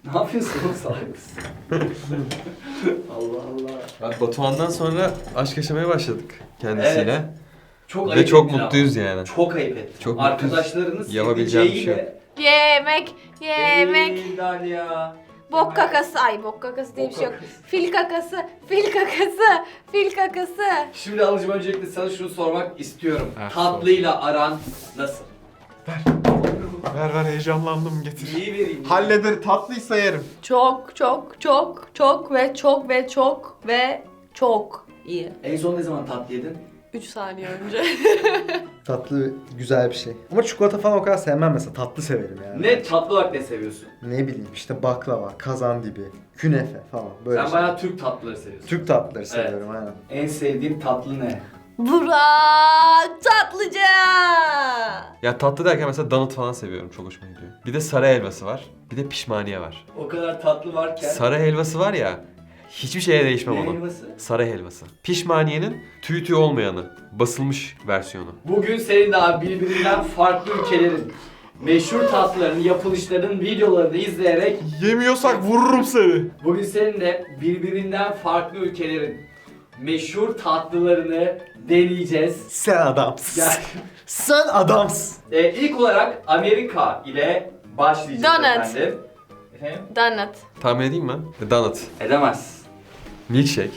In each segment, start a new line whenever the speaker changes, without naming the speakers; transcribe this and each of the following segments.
Ne yapıyorsun oğlum, salak mısın? Allah Allah.
Abi Batuhan'dan sonra aşk yaşamaya başladık kendisiyle.
Evet. Çok
Ve
ayıp
çok
ettin
mutluyuz
ama.
yani.
Çok ayıp ettin.
Çok mutluyuz.
Arkadaşlarının
Yapabileceğim bir şey
sevdiceğiyle...
Yemek, yemek.
Değil ya.
Bok kakası. Ay bok kakası diye bir şey yok. Fil kakası, fil kakası, fil kakası.
Şimdi alıcım, öncelikle sana şunu sormak istiyorum.
Evet,
Tatlıyla aran nasıl?
Ver heyecanlandım, getir.
İyi vereyim.
Halleder, tatlıysa yerim.
Çok çok çok çok ve çok ve çok ve çok iyi.
En son ne zaman tatlı yedin?
3 saniye önce.
Tatlı güzel bir şey. Ama çikolata falan o kadar sevmem mesela. Tatlı severim yani.
Ne tatlı olarak ne seviyorsun?
Ne bileyim işte baklava, kazandibi, künefe falan böyle
Sen
şey.
bayağı Türk tatlıları seviyorsun.
Türk tatlıları seviyorum aynen.
En sevdiğin tatlı ne?
Burak Tatlıca.
Ya tatlı derken mesela donut falan seviyorum. Çok hoşuma gidiyor. Bir de sarı helvası var. Bir de pişmaniye var.
O kadar tatlı varken...
Sarı helvası var ya, hiçbir şeye değişmem
Ne
onun.
helvası?
Sarı helvası. Pişmaniyenin tüy olmayanı. Basılmış versiyonu.
Bugün senin daha birbirinden farklı ülkelerin meşhur tatlılarının, yapılışlarının videolarını izleyerek
Yemiyorsak vururum seni.
bugün seninle birbirinden farklı ülkelerin meşhur tatlılarını deneyeceğiz.
Sen adamsın.
Gel.
Sen adamsın.
İlk olarak Amerika ile başlayacağız
Donut.
efendim. Efendim?
Donut.
Tahmin edeyim mi? Donut.
Edemez.
Milkshake.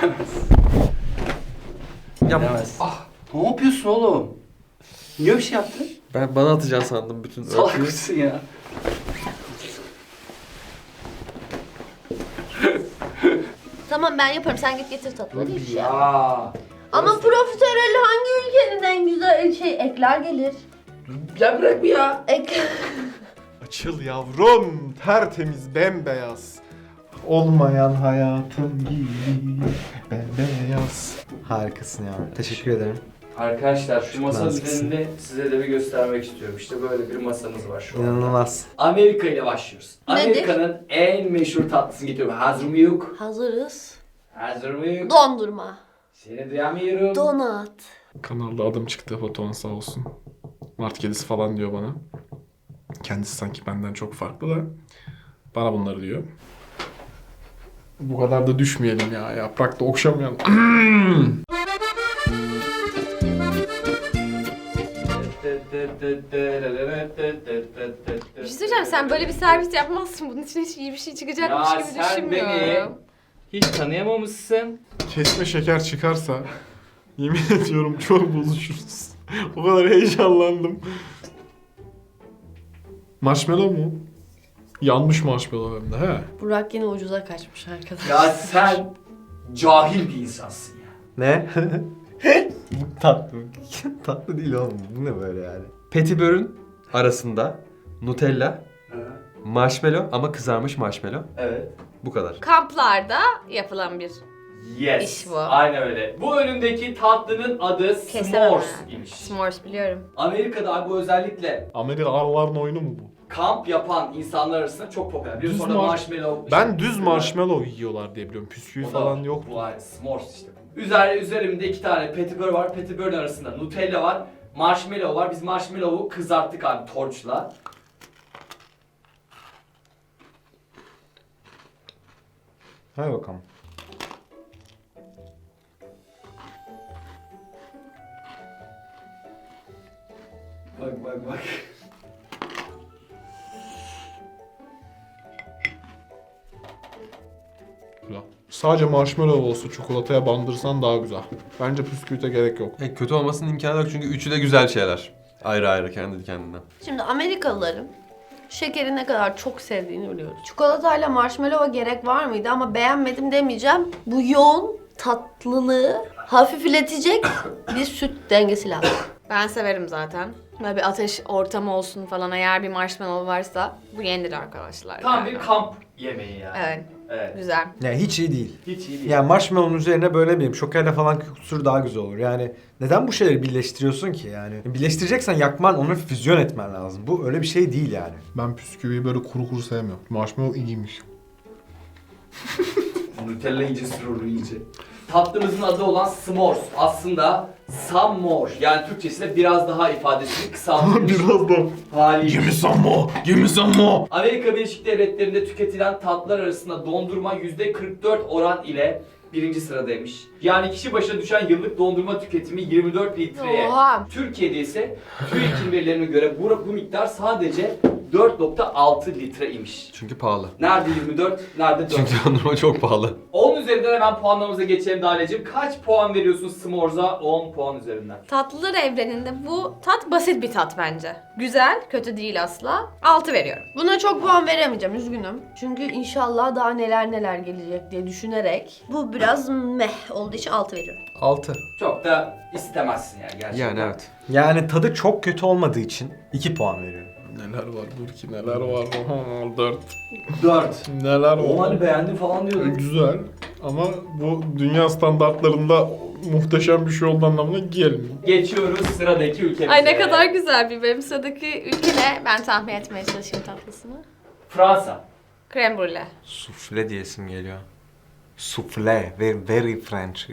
Ya
Edemez. Ne yapıyorsun oğlum? Niye bir şey yaptın?
bana atacaksın sandım bütün
Salak
örtüyü.
mısın ya?
Tamam ben yaparım. Sen git getir tatlıları. Hiçbir şey yapma.
Ya.
Ama profiterol hangi ülkenin en güzel ekler gelir?
Ya bırak bir ya.
Ek.
Açıl yavrum, tertemiz, bembeyaz. Olmayan hayatım gibi bembeyaz.
Harikasın ya. Teşekkür ederim.
Arkadaşlar şu masanın
naziksin.
üzerinde size de bir göstermek istiyorum. İşte böyle bir masamız var şu anda.
İnanılmaz.
Amerika ile başlıyoruz.
Nedir?
Amerika'nın en meşhur tatlısını getiriyorum. Hazır mıyız?
Hazırız.
Hazır mıyız?
Dondurma.
Seni duyamıyorum.
Donut.
Kanalda adım çıktı, Batuhan sağ olsun. Mart kedisi falan diyor bana. Kendisi sanki benden çok farklı da. Bana bunları diyor. Bu kadar da düşmeyelim ya, yaprakta okşamayalım.
Bir şey söyleyeceğim. Sen böyle bir servis yapmazsın. Bunun için hiç iyi bir şey çıkacakmış
Ya
gibi
sen beni
düşünmüyorum.
hiç tanıyamamışsın.
Kesme şeker çıkarsa yemin ediyorum çok bozuşuruz. O kadar heyecanlandım. Marshmallow mu? Yanmış marshmallow hem de he.
Burak yine ucuza kaçmış arkadaşlar.
Ya sen cahil bir insansın ya.
Ne? Bu tatlı. Tatlı değil oğlum. Bu ne böyle yani?
Petibör'ün arasında Nutella, marshmallow ama kızarmış marshmallow.
Evet.
Bu kadar.
Kamplarda yapılan bir
Yes.
İş bu.
Aynen öyle. Bu önündeki tatlının adı
kesemem.
s'mores imiş.
S'mores biliyorum.
Amerika'da bu özellikle
Amerikalıların oyunu mu bu?
kamp yapan insanlar arasında çok popüler. Biliyorsun
Düz
orada
mar-
marshmallow...
Ben
işte,
düz marshmallow yiyorlar diye biliyorum. Püsküvi
o da
falan
var.
yok.
Bu aynı s'mores işte. Üzerimde 2 tane petibör var. Petibörün arasında Nutella var. Marshmallow var. Biz marshmallow'u kızarttık abi torçla.
Hadi bakalım.
Bak bak bak.
Güzel. Sadece marshmallow olsa çikolataya bandırsan daha güzel. Bence püsküvite gerek yok.
Kötü olmasının imkanı yok çünkü üçü de güzel şeyler. Ayrı ayrı kendi kendine.
Şimdi Amerikalıların şekeri ne kadar çok sevdiğini biliyoruz. Çikolatayla marshmallow'a gerek var mıydı ama beğenmedim demeyeceğim. Bu yoğun tatlılığı hafifletecek bir süt dengesi lazım. Ben severim zaten. Böyle bir ateş ortamı olsun falan, eğer bir marshmallow varsa bu yenir arkadaşlar.
Tam
yani.
bir kamp yemeği yani.
Evet,
Evet.
güzel.
Ya hiç iyi değil.
Hiç iyi değil.
Yani marshmallow'un üzerine böyle bileyim şokerle falan kusur daha güzel olur. Yani neden bu şeyleri birleştiriyorsun ki yani? Birleştireceksen yakman, onu füzyon etmen lazım. Bu öyle bir şey değil yani.
Ben püsküviyi böyle kuru kuru sevmiyorum. Marshmallow iyiymiş.
Nutella iyice sürür iyice. Tatlımızın adı olan s'mores aslında some more, yani Türkçesiyle biraz daha ifadesini kısaltılmış
Biraz da.
hali.
Give me some more. Give me some more.
Amerika Birleşik Devletleri'nde tüketilen tatlılar arasında dondurma %44 oran ile birinci sıradaymış. Yani kişi başına düşen yıllık dondurma tüketimi 24 litreye.
Oha.
Türkiye'de ise TÜİK'in verilerine göre bu miktar sadece 4.6 litre imiş.
Çünkü pahalı.
Nerede 24, nerede 4?
Çünkü dondurma çok pahalı.
10 üzerinden hemen puanlamamıza geçelim Dalya'cığım. Kaç puan veriyorsun S'mores'a 10 puan üzerinden?
Tatlılar evreninde bu tat basit bir tat bence. Güzel, kötü değil asla. 6 veriyorum.
Buna çok puan veremeyeceğim, üzgünüm. Çünkü inşallah daha neler gelecek diye düşünerek bu biraz meh olduğu için 6 veriyorum.
6.
Çok da istemezsin yani gerçekten.
Yani evet.
Yani tadı çok kötü olmadığı için 2 puan veriyorum.
Neler var Burki, neler var. Oha, 4.
4.
Neler
O
var.
hani beğendin falan diyordun.
Güzel ama bu dünya standartlarında muhteşem bir şey olduğu anlamına gelmiyor.
Geçiyoruz sıradaki ülkemize.
Ay ne kadar güzel bir benim sıradaki ülke ne? Ben tahmin etmeye çalışayım tatlısını.
Fransa.
Krem brûlée.
Sufle diyesim geliyor. Sufle, very French.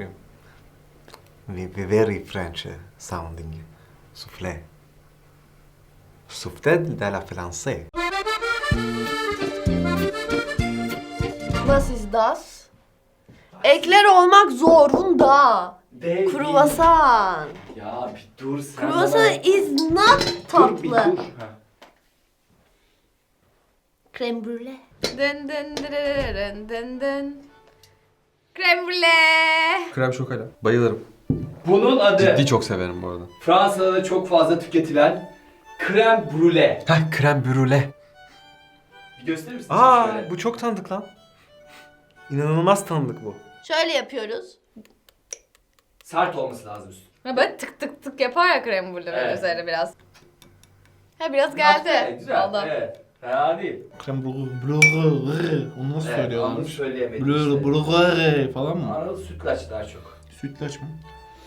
Very French sounding. Sufle. Sufle de la français.
Was ist das? Ekler olmak zorunda.
Dev
Kruvasan.
Ya bir dur sen.
Kruvasan
bana-
is not
Dur bir
tatlı.
dur. Ha.
Krem brûlée.
Dın dın dırırırın dın dın. Krem brûlée.
Krem şokala. Bayılırım.
Bunun adı
Ciddi çok severim bu arada.
Fransa'da da çok fazla tüketilen krem brûlée.
Heh, krem brûlée.
Bir gösterir misin?
Aa,
şöyle?
bu çok tanıdık lan. İnanılmaz tanıdık bu.
Şöyle yapıyoruz.
Sert olması lazım üstü.
Ha böyle tık tık tık yapar ya krem brûlée
Evet.
üzerine biraz. Ha biraz geldi.
Evet, güzel.
Oldu.
Evet. Fena değil.
Krem brûlée. Onu nasıl
Evet, onu
söylüyorlarmış?
söyleyemedim işte.
Brûlée falan mı?
Anadolu sütlaç daha çok.
Sütlaç mı?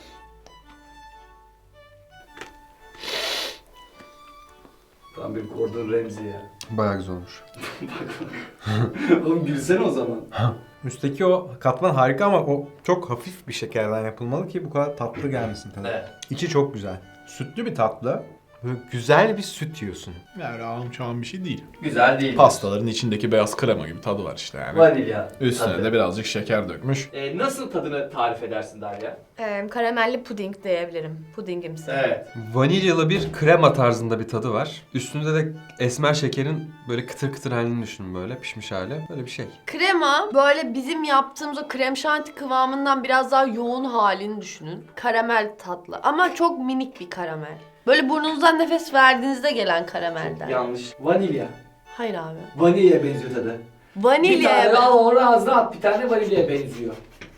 Tam bir Gordon Ramsay ya.
Bayağı güzel olmuş.
Oğlum gülsene o zaman.
Üstteki o katman harika ama o çok hafif bir şekerden yapılmalı ki bu kadar tatlı gelmesin tadı.
Evet.
İçi çok güzel. Sütlü bir tatlı. Böyle güzel bir süt yiyorsun.
Yani ağım çağım bir şey değil.
Güzel değil.
Pastaların içindeki beyaz krema gibi tadı var işte yani.
Vanilya.
Üstüne
tadı.
de birazcık şeker dökmüş.
Nasıl tadını tarif edersin Derya?
Karamelli puding diyebilirim. Pudingimsi.
Evet.
Vanilyalı bir krema tarzında bir tadı var. Üstünde de esmer şekerin böyle kıtır kıtır halini düşünün, böyle pişmiş hali. Böyle bir şey.
Krema böyle bizim yaptığımız o krem şanti kıvamından biraz daha yoğun halini düşünün. Karamel tatlı ama çok minik bir karamel. Böyle burnunuzdan nefes verdiğinizde gelen karamelden.
Yanlış. Vanilya.
Hayır abi.
Vanilya'ya benziyor tadı. Bir tane
Vanilya.
al onu ağzına at. Bir tane vanilya'ya benziyor.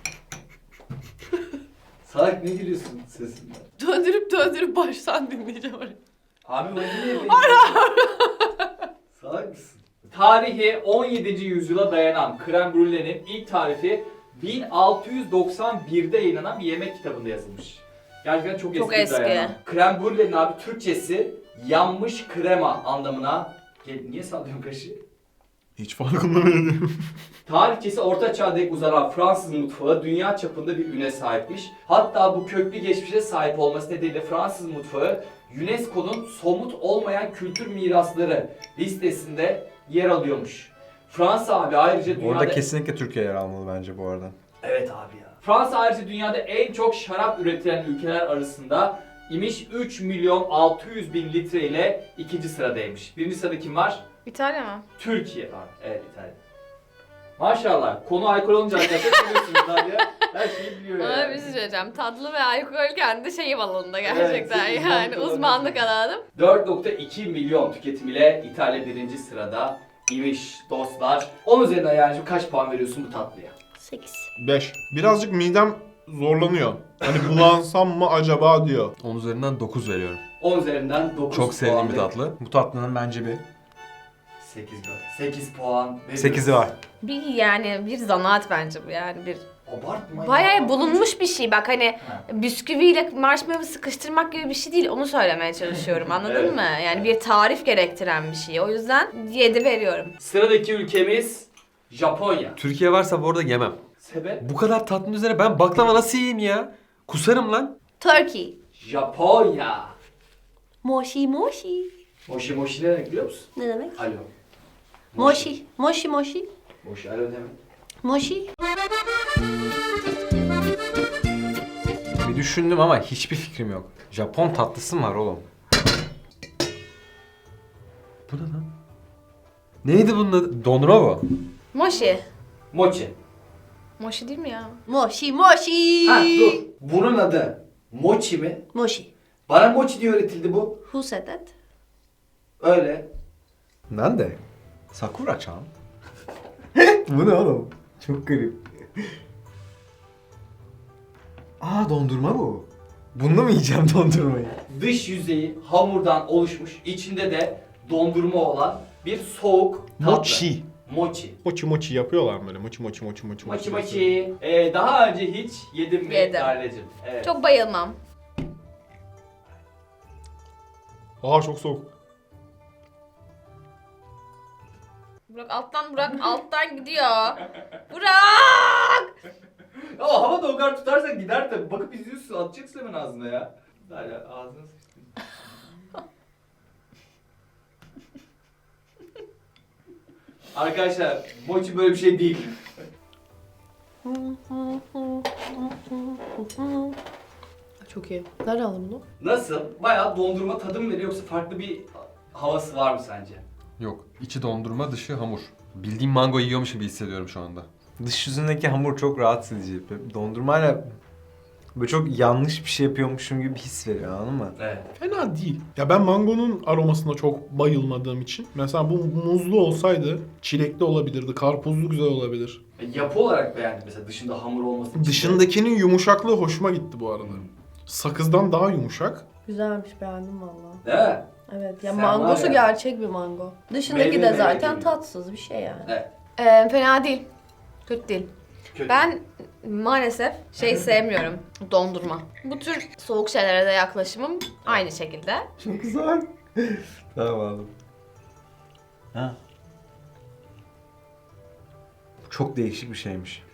Salak ne gülüyorsun sesinden?
Döndürüp baştan dinleyeceğim orayı.
Abi vanilya'ya benziyor. Salak mısın? Tarihi 17. yüzyıla dayanan krem brûlée'nin ilk tarifi 1691'de yayınlanan bir yemek kitabında yazılmış. Gerçekten çok
Çok
eski.
eski.
Dayanan. Krem brûlée'nin abi Türkçesi yanmış krema anlamına... Niye sallıyorsun kaşığı?
Hiç farkında değilim.
Tarihçesi Orta Çağ'a dek uzanan Fransız mutfağı dünya çapında bir üne sahipmiş. Hatta bu köklü geçmişe sahip olması nedeniyle Fransız mutfağı UNESCO'nun somut olmayan kültür mirasları listesinde yer alıyormuş. Fransa abi ayrıca dünyada...
Orada kesinlikle Türkiye yer almalı bence bu arada.
Evet abi ya. Fransa ayrıca dünyada en çok şarap üretilen ülkeler arasında imiş, 3 milyon 600 bin litre ile ikinci sıradaymış. Birinci sırada kim var?
İtalya mı?
Türkiye var. Evet, İtalya. Maşallah. Konu alkol olunca arkadaşlar biliyorsunuz Derya. Her şeyi biliyor
Ama
yani.
bir şey söyleyeceğim. Tatlı ve alkol kendi şeyim alanında gerçekten
Evet,
yani uzmanlık alanım.
4.2 milyon tüketim ile İtalya birinci sırada imiş dostlar. 10 üzerinden yani kaç puan veriyorsun bu tatlıya?
8.
5. Birazcık midem zorlanıyor. Hani bulansam mı acaba diyor.
10 üzerinden 9 veriyorum.
10 üzerinden 9
Çok sevdiğim
puan
bir
veriyorum.
tatlı.
Bu tatlının bence bir
8 puan.
8'i var.
Bir zanaat bence bu yani bir
Abartma.
bayağı
ya.
bulunmuş bir şey bak hani
Ha.
bisküviyle marshmallow sıkıştırmak gibi bir şey değil onu söylemeye çalışıyorum anladın
Evet.
mı? Yani bir tarif gerektiren bir şey o yüzden 7 veriyorum.
Sıradaki ülkemiz Japonya.
Türkiye varsa bu arada yemem.
Sebep?
Bu kadar tatlının üzerine ben baklava nasıl yiyeyim ya? Kusarım lan.
Turkey.
Japonya.
Moshi moshi.
Moshi moshi ne demek biliyor musun?
Ne demek?
Alo.
Moshi. Moshi moshi.
Moshi alo demek.
Moshi.
Bir düşündüm ama hiçbir fikrim yok. Japon tatlısı mı var oğlum?
Bu ne lan? Neydi bunun adı? Dondurma bu.
Moshi.
Mochi.
Moshi değil mi ya?
Moshi moshi.
Ha dur. Bunun adı mochi mi?
Moshi.
Bana mochi diye öğretildi bu.
Who said that?
Öyle.
Nande? Sakura-chan? Bu ne oğlum? Çok garip. Aa dondurma bu. Bununla mı yiyeceğim dondurmayı?
Dış yüzeyi hamurdan oluşmuş, içinde de dondurma olan bir soğuk tatlı.
Mochi.
Mochi.
Mochi mochi yapıyorlar mı böyle? Mochi mochi mochi mochi
Mochi mochi. Daha önce hiç yedim mi
Yedim.
Lale'cim? Evet.
Çok bayılmam.
Aa çok soğuk.
Burak alttan gidiyor. Burak!
Ya havada o kadar tutarsan gider tabii. Bakıp izliyorsun, atacaksın hemen ağzına ya. Lale ağzına sıçtın. Arkadaşlar, mochi böyle bir şey değil.
Çok iyi. Nerede aldın bunu?
Nasıl? Bayağı dondurma tadı mı veriyor yoksa farklı bir havası var mı sence?
Yok. İçi dondurma, dışı hamur. Bildiğim mango yiyormuş gibi hissediyorum şu anda.
Dış yüzündeki hamur çok rahatsız edici. Dondurmayla böyle çok yanlış bir şey yapıyormuşum gibi bir his veriyor, anladın mı?
Evet.
Fena değil. Ya ben mangonun aromasına çok bayılmadığım için. Mesela bu muzlu olsaydı çilekli olabilirdi, karpuzlu güzel olabilir.
Yapı olarak beğendim mesela dışında hamur olması için.
Dışındakinin yumuşaklığı hoşuma gitti bu arada. Sakızdan daha yumuşak.
Güzelmiş, beğendim valla.
Değil mi?
Evet ya,
Sen
mangosu
var ya.
gerçek bir mango. Dışındaki
Meyve
de
meyve
zaten
gibi.
tatsız bir şey yani.
Evet.
Fena değil. Kötü değil.
Kötü.
Ben maalesef sevmiyorum. Dondurma. Bu tür soğuk şeylere de yaklaşımım aynı şekilde.
Çok güzel. Tamam aldım. Ha. Bu çok değişik bir şeymiş.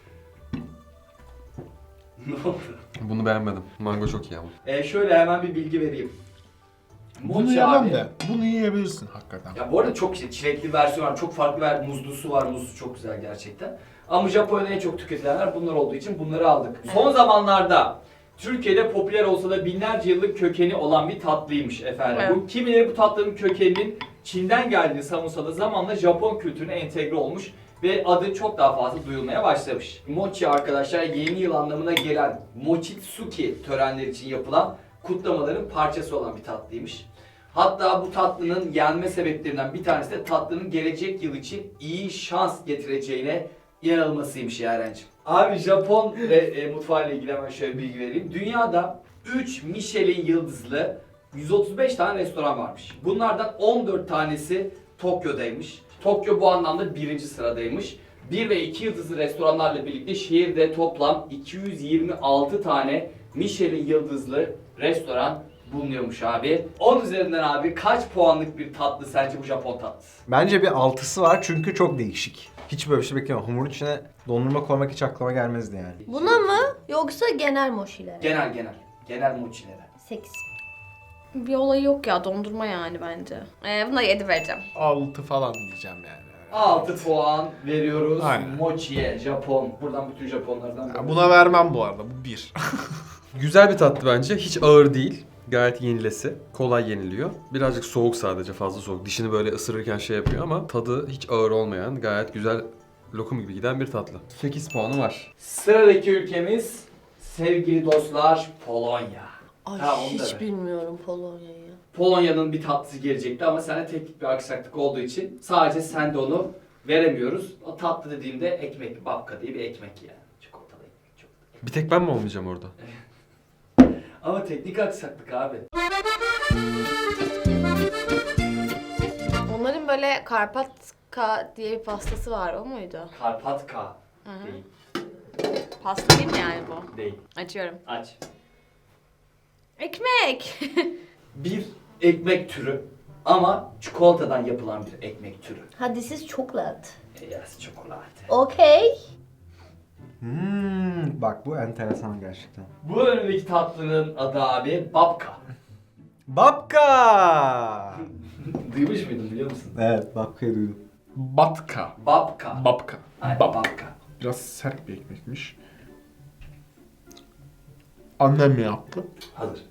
Ne oldu?
Bunu beğenmedim. Mango çok iyi ama.
Şöyle hemen bir bilgi vereyim.
Bunu
Mochi
yemem
abi.
de. Bunu yiyebilirsin hakikaten.
Ya bu arada çok çilekli versiyon var, çok farklı muzlusu var, muzlu çok güzel gerçekten. Ama Japonya'da en çok tüketilenler bunlar olduğu için bunları aldık. Son zamanlarda Türkiye'de popüler olsa da binlerce yıllık kökeni olan bir tatlıymış efendim.
Evet.
Bu kimileri bu tatlının kökeninin Çin'den geldiğini savunsa da zamanla Japon kültürüne entegre olmuş ve adı çok daha fazla duyulmaya başlamış. Mochi arkadaşlar yeni yıl anlamına gelen Mochitsuki törenleri için yapılan kutlamaların parçası olan bir tatlıymış. Hatta bu tatlının yenme sebeplerinden bir tanesi de tatlının gelecek yıl için iyi şans getireceğine inanılmasıymış Yaren'cim. Abi Japon mutfağıyla ilgili hemen şöyle bir bilgi vereyim. Dünyada 3 Michelin yıldızlı 135 tane restoran varmış. Bunlardan 14 tanesi Tokyo'daymış. Tokyo bu anlamda birinci sıradaymış. 1 ve 2 yıldızlı restoranlarla birlikte şehirde toplam 226 tane Michelin yıldızlı restoran bulunuyormuş abi. 10 üzerinden abi kaç puanlık bir tatlı sence bu Japon tatlısı?
Bence bir 6'sı var çünkü çok değişik. Hiç böyle bir şey beklemiyorum. Hamurun içine dondurma koymak hiç aklıma gelmezdi yani.
Buna mı yoksa genel moşilere?
Genel mochilere.
8.
Bir olayı yok ya, dondurma yani bence. Buna 7 vereceğim.
6 falan diyeceğim yani.
6 puan veriyoruz
Aynen.
mochiye, Japon. Buradan bütün Japonlardan.
Ya buna vermem bu arada. Bu 1.
Güzel bir tatlı bence. Hiç ağır değil. Gayet yenilesi. Kolay yeniliyor. Birazcık soğuk sadece, fazla soğuk. Dişini böyle ısırırken şey yapıyor ama tadı hiç ağır olmayan, gayet güzel, lokum gibi giden bir tatlı. 8 puanı var.
Sıradaki ülkemiz sevgili dostlar Polonya.
Ay
Ha, onu da
hiç
ver.
bilmiyorum Polonya'yı.
Polonya'nın bir tatlısı gelecekti ama sende teknik bir aksaklık olduğu için sadece sen de onu veremiyoruz. O tatlı dediğimde ekmek, babka diye bir ekmek yani. Çikolatalı ekmek çok.
Bir tek ben mi olmayacağım orada?
Ama teknik aksaklık abi.
Onların böyle Karpatka diye bir pastası var, o muydu?
Karpatka
Hı hı.
değil.
Pasta değil mi yani bu?
Değil.
Açıyorum.
Aç.
Ekmek!
Bir ekmek türü ama çikolatadan yapılan bir ekmek türü.
Ha, this is chocolate.
Yes, çikolata.
Okay.
Bak bu enteresan gerçekten.
Bu önündeki tatlının adı abi babka.
Babka!
Duymuş muydun biliyor musun?
Evet, babkayı duydum.
Batka.
Babka.
Babka.
Aynen,
Babka.
babka.
Biraz sert bir ekmekmiş. Annem mi yaptı?
Hazır.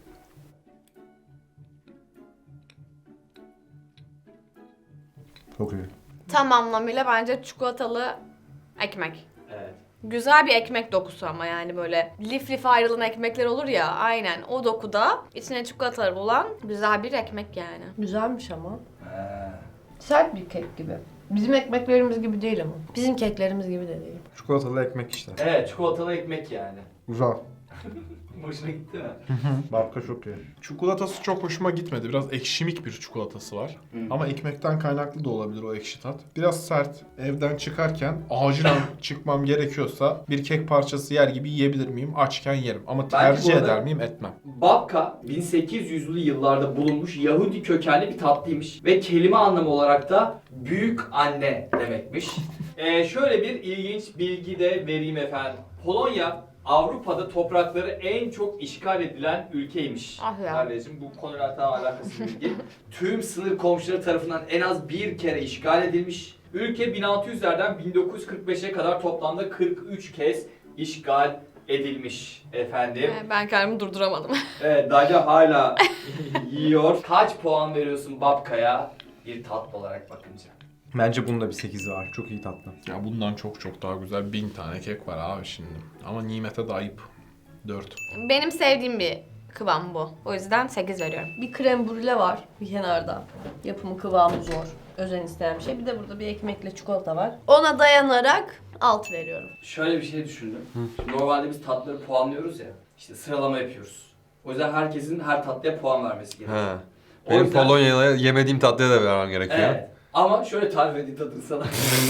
Çok iyi.
Tam anlamıyla bence çikolatalı ekmek.
Evet.
Güzel bir ekmek dokusu ama yani böyle lif lif ayrılan ekmekler olur ya, aynen o dokuda içine çikolatalar olan güzel bir ekmek yani.
Güzelmiş ama.
He.
Sert bir kek gibi. Bizim ekmeklerimiz gibi değil ama. Bizim keklerimiz gibi de değil.
Çikolatalı ekmek işte.
Evet, çikolatalı ekmek yani.
Güzel.
Hoşuna gitti mi?
Babka çok iyi.
Çikolatası çok hoşuma gitmedi. Biraz ekşimik bir çikolatası var. Ama ekmekten kaynaklı da olabilir o ekşi tat. Biraz sert. Evden çıkarken acilen çıkmam gerekiyorsa bir kek parçası yer gibi yiyebilir miyim? Açken yerim. Ama tercih
bu arada-
eder miyim? Etmem.
Babka 1800'lü yıllarda bulunmuş Yahudi kökenli bir tatlıymış ve kelime anlamı olarak da büyük anne demekmiş. Şöyle bir ilginç bilgi de vereyim efendim. Polonya Avrupa'da toprakları en çok işgal edilen ülkeymiş.
Ah ya.
Kardeşim bu konuyla tam alakası bilgi. Tüm sınır komşuları tarafından en az bir kere işgal edilmiş. Ülke 1600'lerden 1945'e kadar toplamda 43 kez işgal edilmiş efendim.
Ben kendimi durduramadım.
Evet, Daca hala yiyor. Kaç puan veriyorsun Babka'ya bir tatlı olarak bakınca?
Bence bunun da bir 8'i var. Çok iyi tatlı.
Ya bundan çok çok daha güzel 1000 tane kek var abi şimdi. Ama nimete de ayıp. 4.
Benim sevdiğim bir kıvam bu. O yüzden 8 veriyorum.
Bir krem brûle var bir kenarda. Yapımı kıvamı zor. Özen isteyen bir şey. Bir de burada bir ekmekle çikolata var. Ona dayanarak 6 veriyorum.
Şöyle bir şey düşündüm. Şimdi normalde biz tatlıları puanlıyoruz ya. İşte sıralama yapıyoruz. O yüzden herkesin her tatlıya puan vermesi gerekiyor.
Ha.
O
Benim
yüzden-
Polonya'ya yemediğim tatlıya da vermem gerekiyor.
Evet. Ama şöyle tarif edeyim tadını sana.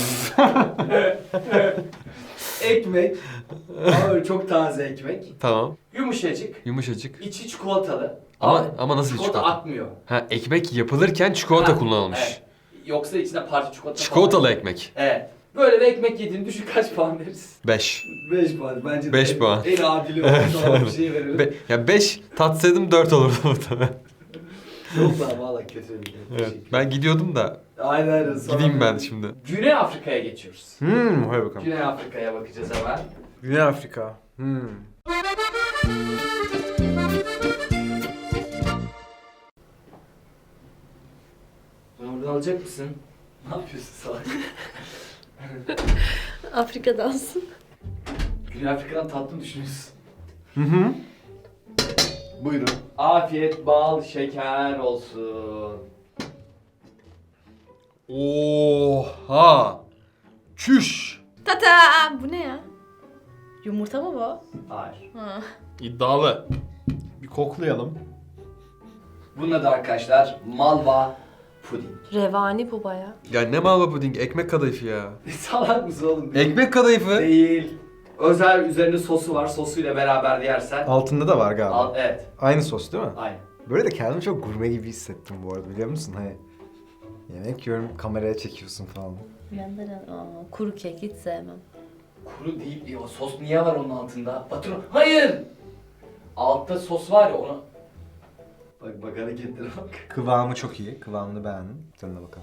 Ekmek. Ama böyle çok taze ekmek.
Tamam.
Yumuşacık.
Yumuşacık.
İçi çikolatalı.
Ama nasıl bir
çikolata?
çikolata?
Akmıyor.
Ha, ekmek yapılırken çikolata
Ha,
kullanılmış.
evet. Yoksa içine parça çikolata
Çikolatalı
falan.
ekmek.
Evet. Böyle bir ekmek yediğini düşün, kaç puan veririz?
5.
5 puan. Bence de
5
en-
puan.
En adili olan bir şey verelim.
Ya 5 tatsaydım 4 olurdu muhtemelen.
Yok lan valla kötü bir şey.
Evet. Ben gidiyordum da
Aynen aynen. Sonra-
gideyim ben şimdi.
Güney Afrika'ya geçiyoruz.
Hadi bakalım.
Güney Afrika'ya bakacağız hemen.
Güney Afrika.
Bunu buradan alacak mısın? Ne yapıyorsun salak?
Afrika dansı.
Güney Afrika'dan tatlı mı düşünüyorsun?
Hı.
Buyurun. Afiyet, bal, şeker olsun.
Oha! Çüş!
Tata! Bu ne ya? Yumurta mı bu?
Hayır.
Ha.
İddialı.
Bir koklayalım.
Bunun adı arkadaşlar malva puding.
Revani bu baya.
Ya ne malva puding, ekmek kadayıfı ya.
Salak mısın oğlum?
Ekmek kadayıfı.
Değil. Özel üzerinde sosu var. Sosuyla beraber yersen.
Altında da var galiba.
Evet.
Aynı sos değil mi?
Aynen.
Böyle de kendimi çok gurme gibi hissettim bu arada, biliyor musun? Hani yemek yiyorum, kameraya çekiyorsun falan.
Bir yandan kuru kek hiç sevmem.
Kuru değil. Ya, sos niye var onun altında? Batır. Hayır. Altta sos var ya onu. Bak hareketlere bak.
Kıvamı çok iyi. Kıvamını beğendim. Tadına bakalım.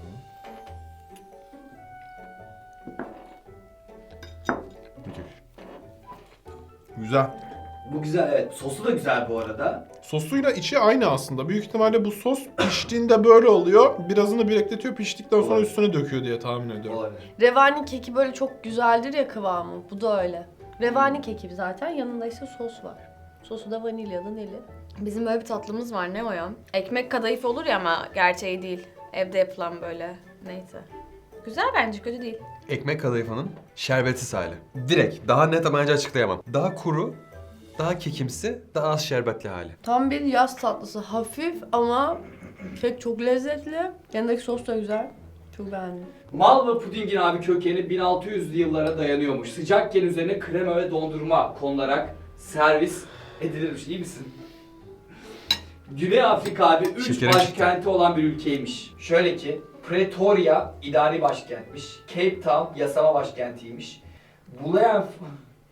Güzel.
Bu güzel evet. Sosu da güzel bu arada.
Sosuyla içi aynı aslında. Büyük ihtimalle bu sos piştiğinde böyle oluyor. Birazını bekletiyor, piştikten sonra
Olabilir.
üstüne döküyor diye tahmin ediyorum.
Olabilir.
Revani keki böyle çok güzeldir ya kıvamı. Bu da öyle. Revani keki zaten yanında ise sos var. Sosu da vanilyalı neli.
Bizim böyle bir tatlımız var, ne o ya? Ekmek kadayıf olur ya ama gerçeği değil. Evde yapılan böyle. Neyse. Güzel bence, kötü değil.
Ekmek kadayıfının şerbetsiz hali. Direkt. Daha net ama bence açıklayamam. Daha kuru, daha kekimsi, daha az şerbetli hali.
Tam bir yaz tatlısı. Hafif ama kek çok lezzetli. Yanındaki sos da güzel. Çok beğendim.
Malva pudingin abi kökeni 1600'lü yıllara dayanıyormuş. Sıcakken üzerine krema ve dondurma konularak servis edilirmiş. İyi misin? Güney Afrika abi 3
Şekerim
başkenti olan bir ülkeymiş. Şöyle ki Pretoria idari başkentmiş. Cape Town yasama başkentiymiş.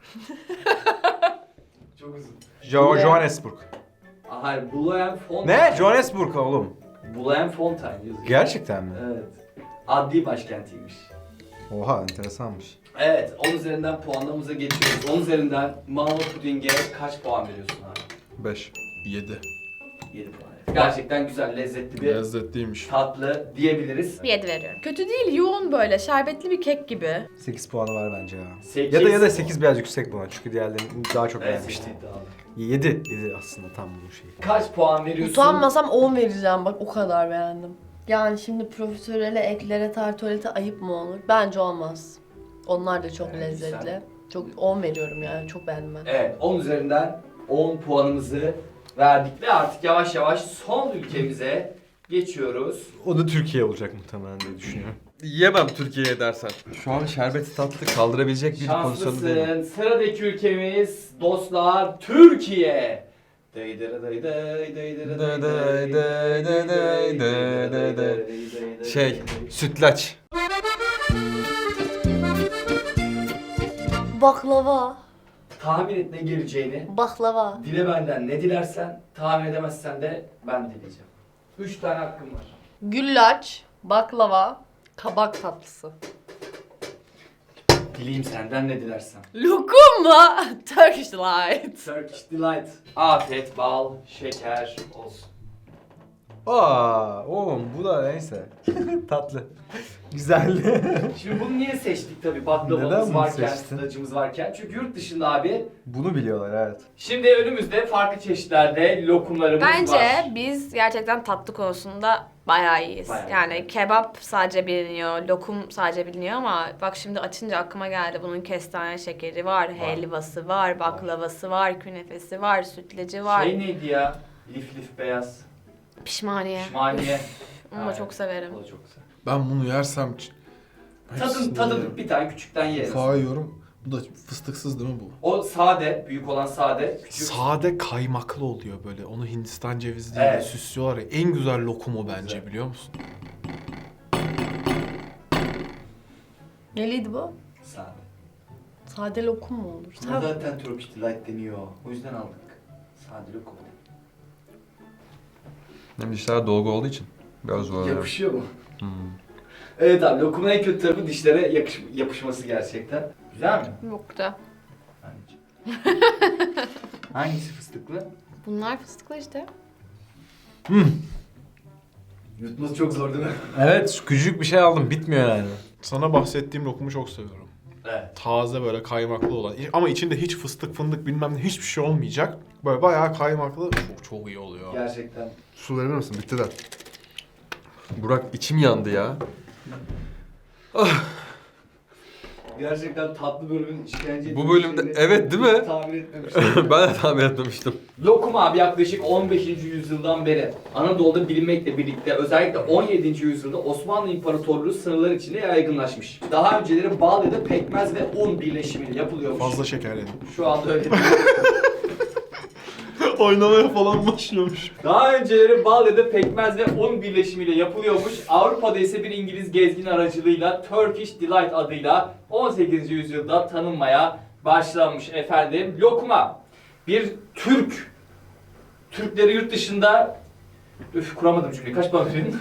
Çok uzun.
Johannesburg.
Hayır, Bloemfontein.
Ne? Johannesburg oğlum.
Bloemfontein yazıyor.
Gerçekten mi?
Evet. Adli başkentiymiş.
Oha enteresanmış.
Evet, 10 üzerinden puanlamamıza geçiyoruz. 10 üzerinden Malva pudinge kaç puan veriyorsun abi?
5.
7.
7 puan. Gerçekten güzel, lezzetli bir
Lezzetliymiş.
tatlı diyebiliriz.
7 veriyorum. Kötü değil, yoğun böyle şerbetli bir kek gibi.
8 puanı var bence ya.
8.
Ya da 8 biraz yüksek buna çünkü diğerlerini daha çok
Evet,
beğenmiştim.
8'di abi.
7 aslında tam bu şey.
Kaç puan veriyorsun?
Utanmasam 10 vereceğim bak o kadar beğendim. Yani şimdi profiterole, eklere, tartolete ayıp mı olur? Bence olmaz. Onlar da çok
Evet,
lezzetli.
güzel.
Çok 10 veriyorum yani çok beğendim ben.
Evet, 10 üzerinden 10 puanımızı verdik ve artık yavaş yavaş son ülkemize geçiyoruz.
O da Türkiye olacak muhtemelen diye düşünüyorum.
Yiyemem Türkiye'ye dersen. Şu an şerbeti tatlı kaldırabilecek bir pozisyonda değilim.
Şanslısın. Sıradaki ülkemiz dostlar Türkiye. Daydıra dayday, daydıra
Day
dayday,
day day day day day day. Şey, sütlaç.
Baklava.
Tahmin et ne geleceğini.
Baklava.
Dile benden ne dilersen, tahmin edemezsen de ben dileyeceğim. 3 tane hakkım var.
Güllaç, baklava, kabak tatlısı.
Dileyim senden ne dilersen.
Lokum mu? Turkish Delight.
Turkish Delight. Afiyet, bal, şeker olsun.
Oğlum bu da neyse. Tatlı. Güzel.
Şimdi bunu niye seçtik tabii
Neden
baklavamız
bunu
varken,
seçtin?
sütlacımız varken. Çünkü yurt dışında abi.
Bunu biliyorlar evet.
Şimdi önümüzde farklı çeşitlerde lokumlarımız
Bence
var.
biz gerçekten tatlı konusunda bayağı iyiyiz.
Bayağı
Yani
iyi.
kebap sadece biliniyor, lokum sadece biliniyor ama bak şimdi açınca aklıma geldi. Bunun kestane şekeri var, helvası var, baklavası var, künefesi var, sütlacı var.
Şey neydi ya? Lif lif beyaz.
Pişmaniye.
Pişmaniye.
Onu da
Aynen.
çok severim.
O da çok güzel.
Ben bunu yersem...
Tadın bir tane küçükten yeriz.
Ufağı yiyorum. Bu da fıstıksız değil mi bu?
O sade, büyük olan sade, küçük.
Sade kaymaklı oluyor böyle. Onu Hindistan cevizi diye
Evet.
süslüyorlar ya. En güzel lokum o bence
Güzel.
biliyor musun?
Neliydi bu?
Sade.
Sade lokum mu olur?
Buna zaten Turkish Delight deniyor. O yüzden aldık. Sade lokum.
Hem dişler dolgu olduğu için biraz zor.
Yapışıyor mu?
Hmm.
Evet abi, lokumun en kötü tarafı dişlere yapışması gerçekten. Güzel mi?
Yok da.
Anneciğim. Hangisi fıstıklı?
Bunlar fıstıklı işte.
Yutması çok zor değil mi?
Evet küçücük bir şey aldım bitmiyor yani.
Sana bahsettiğim lokumu çok seviyorum.
Evet.
Taze böyle kaymaklı olan. Ama içinde hiç fıstık fındık bilmem ne hiçbir şey olmayacak. Böyle bayağı kaymaklı. Çok iyi oluyor.
Gerçekten.
Su verir misin? Bittiler. Burak içim yandı ya.
Gerçekten tatlı bölümün işkence
Bu bölümde evet değil mi?
tahmin etmemiştim.
Ben de tahmin etmemiştim.
Lokum abi yaklaşık 15. yüzyıldan beri Anadolu'da bilinmekle birlikte özellikle 17. yüzyılda Osmanlı İmparatorluğu sınırları içinde yaygınlaşmış. Daha önceleri bal ya da pekmez ve un birleşimiyle yapılıyormuş.
Fazla şeker yedim.
Şu anda öyle değil.
Oynamaya falan başlıyormuş.
Daha önceleri bal ya da pekmez ve un birleşimiyle yapılıyormuş. Avrupa'da ise bir İngiliz gezgin aracılığıyla Turkish Delight adıyla 18. yüzyılda tanınmaya başlanmış efendim. Lokma bir Türkleri yurt dışında kuramadım cümleyi. Kaç puan verin?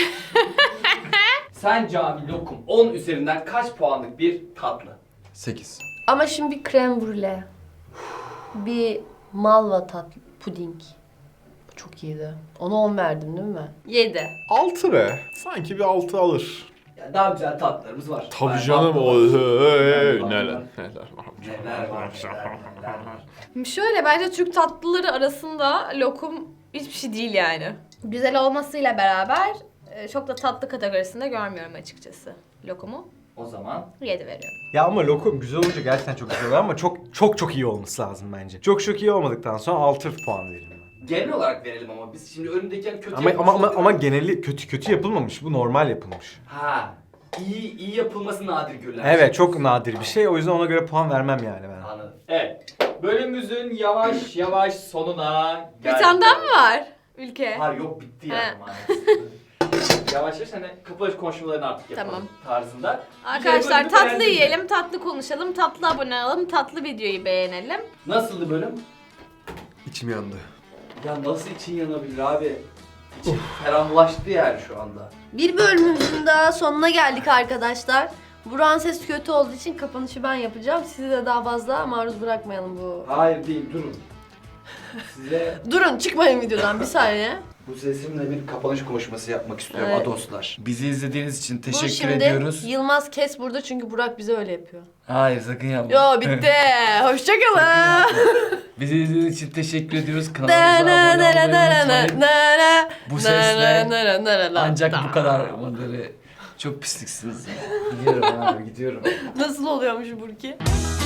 Sence abi lokum 10 üzerinden kaç puanlık bir tatlı?
8.
Ama şimdi bir krem brûlée. Bir malva tatlı, puding. Bu çok iyiydi. Ona 10 verdim değil mi ben?
7.
6 be. Sanki bir 6 alır.
Ya daha güzel tatlılarımız var.
Tabii
Yani
canım o.
baklava-
Neler
Neler
neler
var, neler var.
Şöyle bence Türk tatlıları arasında lokum hiçbir şey değil yani. Güzel olmasıyla beraber çok da tatlı kategorisinde görmüyorum açıkçası lokumu.
O zaman
7 veriyorum.
Ya ama lokum güzel olunca gerçekten çok güzel oluyor ama çok iyi olması lazım bence. Çok iyi olmadıktan sonra 6 puan veririm ben.
genel olarak verelim ama biz şimdi önündeyken kötü
Ama
yapılmış olabilir.
geneli kötü yapılmamış. Bu normal yapılmış.
Ha. İyi yapılması nadir görülen.
Evet çok nadir bir şey. O yüzden ona göre puan vermem yani ben.
Anladım. Evet. Bölümümüzün yavaş yavaş sonuna
Bir
geldik.
tane daha mı var ülke?
Hayır yok bitti yani
He.
maalesef. Yavaş yavaş hani kapanış konuşmalarını artık yapalım
Tamam.
tarzında.
Arkadaşlar
bölümü
tatlı
beğendin mi?
yiyelim, tatlı konuşalım, tatlı abone olalım, tatlı videoyu beğenelim.
Nasıldı bölüm?
İçim yandı.
Ya nasıl için yanabilir abi? İçim ferahlaştı yani şu anda.
Bir bölümümüzün daha sonuna geldik arkadaşlar. Burak'ın sesi kötü olduğu için kapanışı ben yapacağım. Sizi de daha fazla maruz bırakmayalım bu.
Hayır değil, durun. Size
Durun, çıkmayın videodan bir saniye.
bu sesimle bir kapanış konuşması yapmak istiyorum
Evet.
adoslar.
Bizi izlediğiniz için
Bu
teşekkür
şimdi
ediyoruz.
Yılmaz kes burada çünkü Burak bize öyle yapıyor.
Hayır sakın yapma.
Yo bitti. Hoşçakalın.
Bizi izlediğiniz için teşekkür ediyoruz. Kanalımıza abone olmayı unutmayın. Bu sesle ancak bu kadar bunları çok pisliksiniz.
Gidiyorum abi gidiyorum.
Nasıl oluyormuş Burki?